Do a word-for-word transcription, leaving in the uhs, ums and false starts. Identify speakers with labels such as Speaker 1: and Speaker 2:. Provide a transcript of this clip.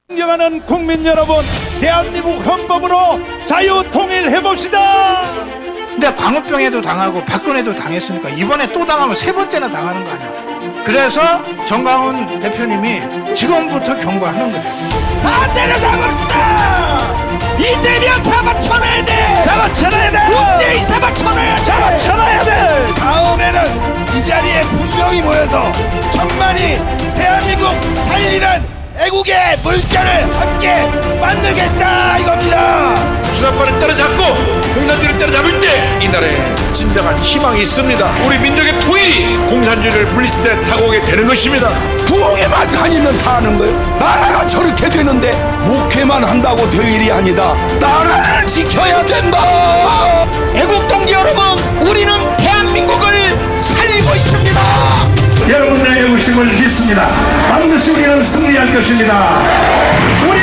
Speaker 1: 존경하는 국민 여러분, 대한민국 헌법으로 자유 통일해 봅시다.
Speaker 2: 근데 광우병에도 당하고 박근혜도 당했으니까 이번에 또 당하면 세 번째나 당하는 거 아니야. 그래서 정강훈 대표님이 지금부터 경고하는 거예요.
Speaker 1: 다 때려잡읍시다. 이재명 잡아쳐놔야 돼. 잡아쳐놔야 돼. 문재인 잡아쳐놔야 돼. 잡아쳐놔야 돼.
Speaker 3: 다음에는 이 자리에 분명히 모여서 천만이 대한민국 살리는 애국의 물결을 함께 만들겠다 이겁니다.
Speaker 4: 주사파를 따라잡고 공산주의를 따라잡을 때 이 나라에 진정한 희망이 있습니다. 우리 민족의 통일이 공산주의를 물리칠 때 다가오게 되는 것입니다.
Speaker 5: 부엌에만 다니면 다 하는 거예요. 나라가 저렇게 되는데 목회만 한다고 될 일이 아니다. 나라를 지켜야 된다.
Speaker 6: 애국동지 여러분, 우리는 대한민국을 살리고 있습니다.
Speaker 1: 여러분들의 애국심을 믿습니다. 반드시 우리는 승리할 것입니다. 우리